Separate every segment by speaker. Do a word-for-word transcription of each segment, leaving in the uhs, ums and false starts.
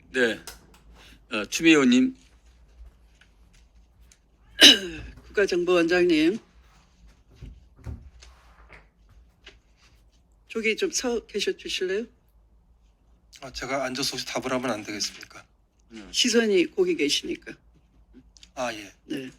Speaker 1: 네, 어, 추미애 의원님.
Speaker 2: 국가정보원장님, 저기 좀 서 계셔 주실래요?
Speaker 3: 아, 제가 앉아서 혹시 답을 하면 안 되겠습니까?
Speaker 2: 시선이 거기 계시니까.
Speaker 3: 아, 예.
Speaker 2: 네.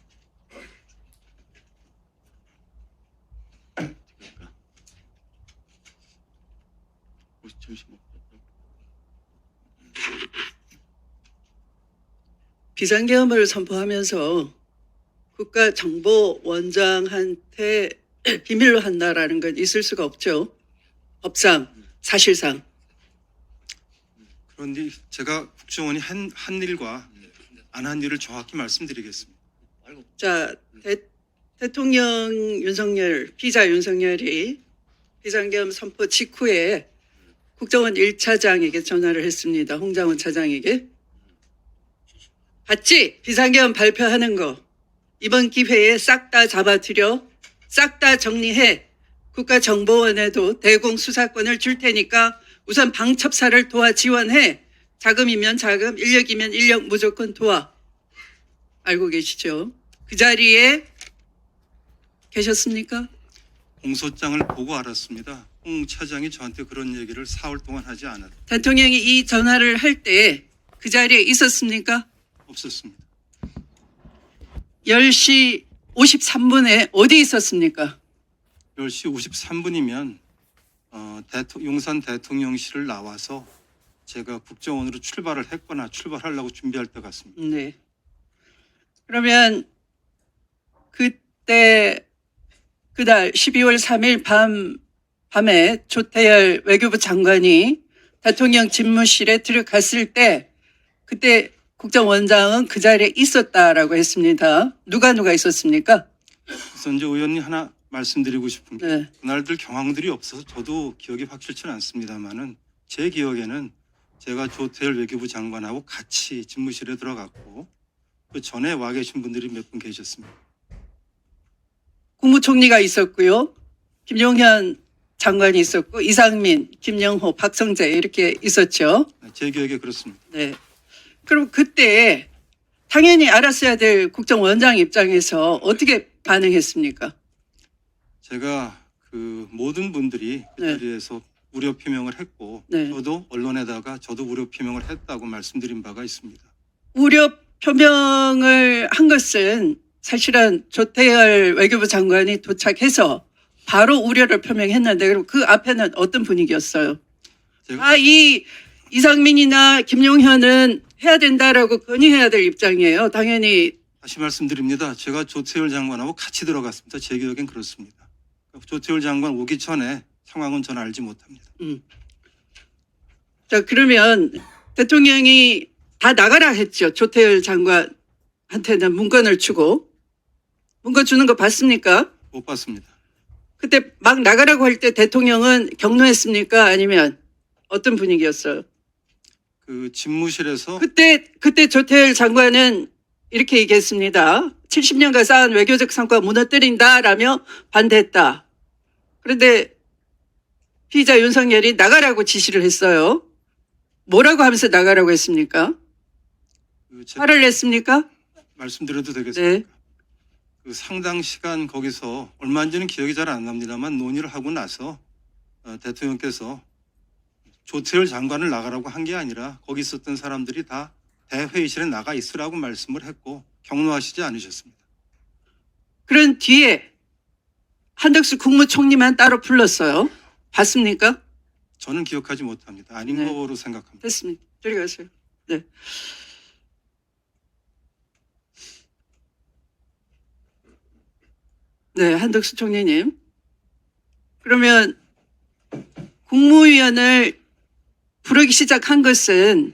Speaker 2: 비상계엄을 선포하면서 국가정보원장한테 비밀로 한다라는 건 있을 수가 없죠. 법상, 사실상.
Speaker 3: 그런데 제가 국정원이 한, 한 일과 안 한 일을 정확히 말씀드리겠습니다.
Speaker 2: 자, 대, 대통령 윤석열, 피자 윤석열이 비상계엄 선포 직후에 국정원 일 차장에게 전화를 했습니다. 홍장원 차장에게. 봤지? 비상계엄 발표하는 거. 이번 기회에 싹 다 잡아들여, 싹 다 정리해. 국가정보원에도 대공수사권을 줄 테니까 우선 방첩사를 도와 지원해. 자금이면 자금, 인력이면 인력 무조건 도와. 알고 계시죠? 그 자리에 계셨습니까?
Speaker 3: 공소장을 보고 알았습니다. 홍 차장이 저한테 그런 얘기를 사흘 동안 하지 않았,
Speaker 2: 대통령이 이 전화를 할 때 그 자리에 있었습니까?
Speaker 3: 없었습니다.
Speaker 2: 열 시 오십삼 분에 어디 있었습니까?
Speaker 3: 열 시 오십삼 분이면 어, 대토, 용산 대통령실을 나와서 제가 국정원으로 출발을 했거나 출발하려고 준비할 때 같습니다.
Speaker 2: 네. 그러면 그때 그날 십이월 삼일 밤 밤에 조태열 외교부 장관이 대통령 집무실에 들어갔을 때 그때 국정원장은 그 자리에 있었다라고 했습니다. 누가 누가 있었습니까?
Speaker 3: 그래서 이제 의원님 하나 말씀드리고 싶은 게
Speaker 2: 네.
Speaker 3: 그날들 경황들이 없어서 저도 기억이 확실치는 않습니다만은 제 기억에는 제가 조태열 외교부 장관하고 같이 집무실에 들어갔고 그 전에 와 계신 분들이 몇 분 계셨습니다.
Speaker 2: 국무총리가 있었고요. 김용현 장관이 있었고 이상민, 김영호, 박성재 이렇게 있었죠.
Speaker 3: 제 기억에 그렇습니다.
Speaker 2: 네. 그럼 그때 당연히 알았어야 될 국정원장 입장에서 어떻게 반응했습니까?
Speaker 3: 제가 그 모든 분들이 그
Speaker 2: 네.
Speaker 3: 자리에서 우려 표명을 했고
Speaker 2: 네.
Speaker 3: 저도 언론에다가 저도 우려 표명을 했다고 말씀드린 바가 있습니다.
Speaker 2: 우려 표명을 한 것은 사실은 조태열 외교부 장관이 도착해서 바로 우려를 표명했는데 그럼 그 앞에는 어떤 분위기였어요?
Speaker 3: 제가
Speaker 2: 아, 이 이상민이나 김용현은 해야 된다라고 건의해야 될 입장이에요. 당연히.
Speaker 3: 다시 말씀드립니다. 제가 조태열 장관하고 같이 들어갔습니다. 제 기억엔 그렇습니다. 조태열 장관 오기 전에 상황은 저는 알지 못합니다.
Speaker 2: 음. 자, 그러면 대통령이 다 나가라 했죠. 조태열 장관한테는 문건을 주고. 문건 주는 거 봤습니까?
Speaker 3: 못 봤습니다.
Speaker 2: 그때 막 나가라고 할 때 대통령은 격노했습니까? 아니면 어떤 분위기였어요?
Speaker 3: 그 집무실에서
Speaker 2: 그때, 그때 조태열 장관은 이렇게 얘기했습니다. 칠십 년간 쌓은 외교적 성과 무너뜨린다라며 반대했다. 그런데 피의자 윤석열이 나가라고 지시를 했어요. 뭐라고 하면서 나가라고 했습니까?
Speaker 3: 그 제가
Speaker 2: 화를 냈습니까?
Speaker 3: 말씀드려도 되겠습니까?
Speaker 2: 네.
Speaker 3: 그 상당 시간 거기서 얼마인지는 기억이 잘 안 납니다만 논의를 하고 나서 어, 대통령께서 조태열 장관을 나가라고 한 게 아니라 거기 있었던 사람들이 다 대회의실에 나가 있으라고 말씀을 했고 격노하시지 않으셨습니다.
Speaker 2: 그런 뒤에 한덕수 국무총리만 따로 불렀어요. 봤습니까?
Speaker 3: 저는 기억하지 못합니다. 아닌
Speaker 2: 네.
Speaker 3: 거로 생각합니다.
Speaker 2: 됐습니다. 저리 가세요. 네. 네, 한덕수 총리님. 그러면 국무위원을 부르기 시작한 것은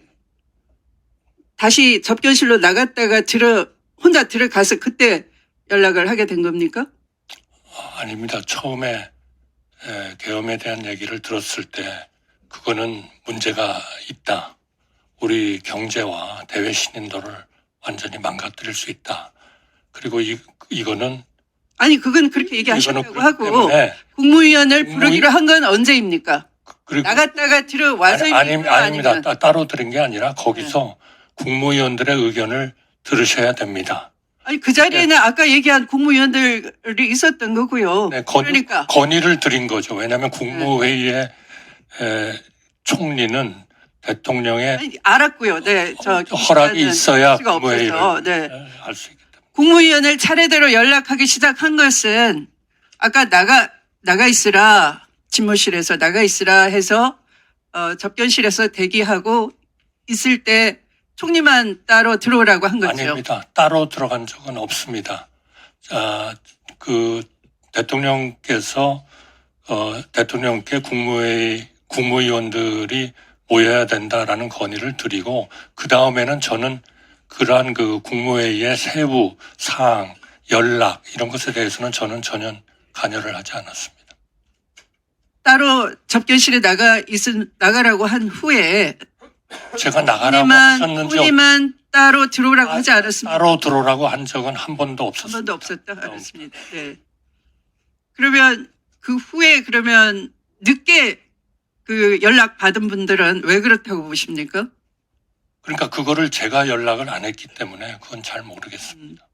Speaker 2: 다시 접견실로 나갔다가 들어 혼자 들어가서 그때 연락을 하게 된 겁니까?
Speaker 4: 아닙니다. 처음에 에, 계엄에 대한 얘기를 들었을 때 그거는 문제가 있다. 우리 경제와 대외 신인도를 완전히 망가뜨릴 수 있다. 그리고 이, 이거는
Speaker 2: 아니 그건 그렇게
Speaker 4: 이거는
Speaker 2: 얘기하셨다고
Speaker 4: 그렇기
Speaker 2: 하고
Speaker 4: 때문에
Speaker 2: 국무위원을
Speaker 4: 국무위-
Speaker 2: 부르기로 한 건 언제입니까?
Speaker 4: 그리고
Speaker 2: 나갔다가 들어와서
Speaker 4: 아니, 아니, 아닙니다.
Speaker 2: 아니면
Speaker 4: 따, 따로 들은 게 아니라 거기서 국무위원들의 의견을 들으셔야 됩니다.
Speaker 2: 아니 그 자리에는 아까 얘기한 국무위원들이 있었던 거고요.
Speaker 4: 네, 건,
Speaker 2: 그러니까
Speaker 4: 건의를 드린 거죠. 왜냐하면 국무회의의 에, 총리는 대통령의
Speaker 2: 아니, 알았고요. 네, 저
Speaker 4: 허락이 있어야
Speaker 2: 수가
Speaker 4: 국무회의를
Speaker 2: 없어서, 네.
Speaker 4: 알 수 있기 때문에.
Speaker 2: 국무위원을 차례대로 연락하기 시작한 것은 아까 나가 나가 있으라 집무실에서 나가 있으라 해서 어, 접견실에서 대기하고 있을 때 총리만 따로 들어오라고 한 거죠.
Speaker 4: 아닙니다. 따로 들어간 적은 없습니다. 자, 그 대통령께서 어, 대통령께 국무회의 국무위원들이 모여야 된다라는 건의를 드리고 그 다음에는 저는 그러한 그 국무회의의 세부 사항, 연락 이런 것에 대해서는 저는 전혀 관여를 하지 않았습니다.
Speaker 2: 따로 접견실에 나가 있은 나가라고 한 후에
Speaker 4: 제가 나가라고
Speaker 2: 총리만
Speaker 4: 하셨는지
Speaker 2: 총리만 따로 들어오라고
Speaker 4: 아,
Speaker 2: 하지 않았습니다.
Speaker 4: 따로 들어오라고 한 적은 한 번도
Speaker 2: 한
Speaker 4: 없었습니다.
Speaker 2: 번도 없었다. 알았습니다. 네. 그러면 그 후에 그러면 늦게 그 연락 받은 분들은 왜 그렇다고 보십니까?
Speaker 4: 그러니까 그거를 제가 연락을 안 했기 때문에 그건 잘 모르겠습니다.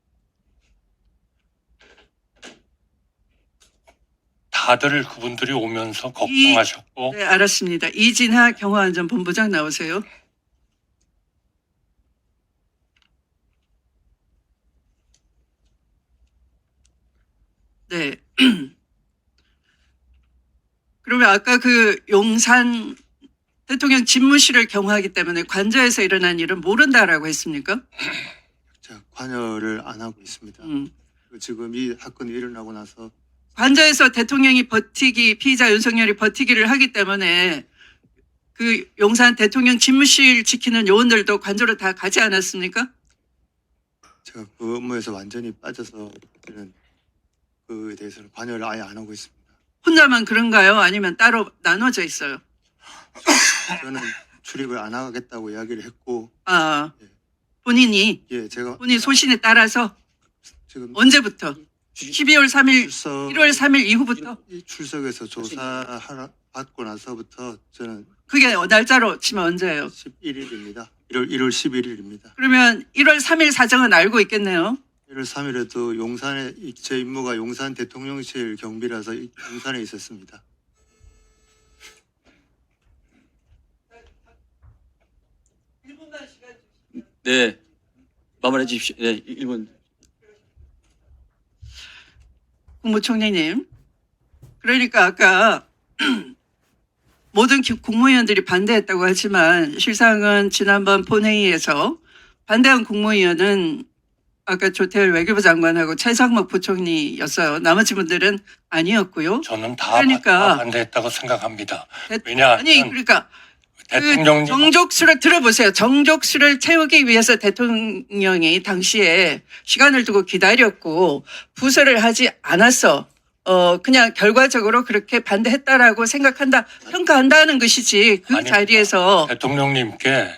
Speaker 4: 다들 그분들이 오면서 걱정하셨고
Speaker 2: 네, 알았습니다. 이진하 경호안전본부장 나오세요. 네. 그러면 아까 그 용산 대통령 집무실을 경호하기 때문에 관저에서 일어난 일은 모른다라고 했습니까?
Speaker 5: 자, 관여를 안 하고 있습니다.
Speaker 2: 음.
Speaker 5: 그리고 지금 이 사건이 일어나고 나서
Speaker 2: 관저에서 대통령이 버티기, 피의자 윤석열이 버티기를 하기 때문에 그 용산 대통령 집무실 지키는 요원들도 관저로 다 가지 않았습니까?
Speaker 5: 제가 그 업무에서 완전히 빠져서 저는 그에 대해서는 관여를 아예 안 하고 있습니다.
Speaker 2: 혼자만 그런가요? 아니면 따로 나눠져 있어요?
Speaker 5: 저는 출입을 안 하겠다고 이야기를 했고,
Speaker 2: 아,
Speaker 5: 예.
Speaker 2: 본인이,
Speaker 5: 예, 제가
Speaker 2: 본인 소신에 따라서
Speaker 5: 지금
Speaker 2: 언제부터? 십이월 삼일,
Speaker 5: 출석,
Speaker 2: 일월 삼일 이후부터?
Speaker 5: 이 출석에서 조사하러 받고 나서부터 저는
Speaker 2: 그게 날짜로 치면 언제예요?
Speaker 5: 십일일입니다. 일월 일월 십일일입니다.
Speaker 2: 그러면 일월 삼일 사정은 알고 있겠네요.
Speaker 5: 일월 삼일에도 용산에 제 임무가 용산 대통령실 경비라서 이- 용산에 있었습니다.
Speaker 1: 네, 마무리해 주십시오. 네, 일 분.
Speaker 2: 국무총리님. 그러니까 아까 모든 기- 국무위원들이 반대했다고 하지만 실상은 지난번 본회의에서 반대한 국무위원은 아까 조태열 외교부 장관하고 최상목 부총리였어요. 나머지 분들은 아니었고요.
Speaker 4: 저는 다,
Speaker 2: 그러니까.
Speaker 4: 다 반대했다고 생각합니다.
Speaker 2: 대-
Speaker 4: 왜냐하면
Speaker 2: 아니 그러니까 그
Speaker 4: 대통령님
Speaker 2: 정족수를 들어보세요. 정족수를 채우기 위해서 대통령이 당시에 시간을 두고 기다렸고 부서를 하지 않았어. 어 그냥 결과적으로 그렇게 반대했다라고 생각한다, 평가한다는 것이지 그
Speaker 4: 아닙니다.
Speaker 2: 자리에서
Speaker 4: 대통령님께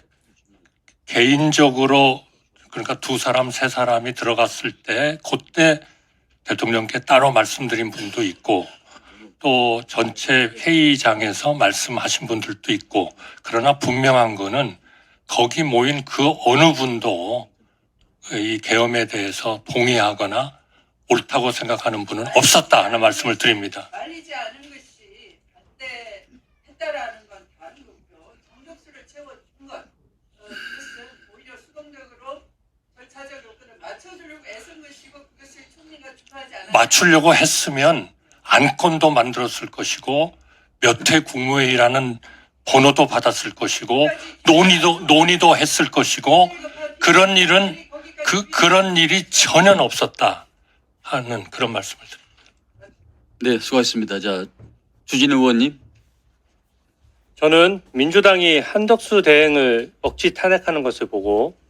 Speaker 4: 개인적으로 그러니까 두 사람 세 사람이 들어갔을 때 그때 대통령께 따로 말씀드린 분도 있고 또 전체 회의장에서 말씀하신 분들도 있고 그러나 분명한 거는 거기 모인 그 어느 분도 이 계엄에 대해서 동의하거나 옳다고 생각하는 분은 없었다 하는 말씀을 드립니다.
Speaker 2: 말리지 않은 것이 반대했다라는 건 다른 거고요. 정족수를 채워준 것, 어, 이것은 오히려 수동적으로 절차적 요건을 맞춰주려고 애쓴 것이고 그것을 총리가 주도하지 않았다.
Speaker 4: 맞추려고 했으면 안건도 만들었을 것이고 몇 회 국무회의라는 번호도 받았을 것이고 논의도 논의도 했을 것이고 그런 일은 그 그런 일이 전혀 없었다 하는 그런 말씀을 드립니다.
Speaker 1: 네, 수고하셨습니다. 자, 주진우 의원님.
Speaker 6: 저는 민주당이 한덕수 대행을 억지 탄핵하는 것을 보고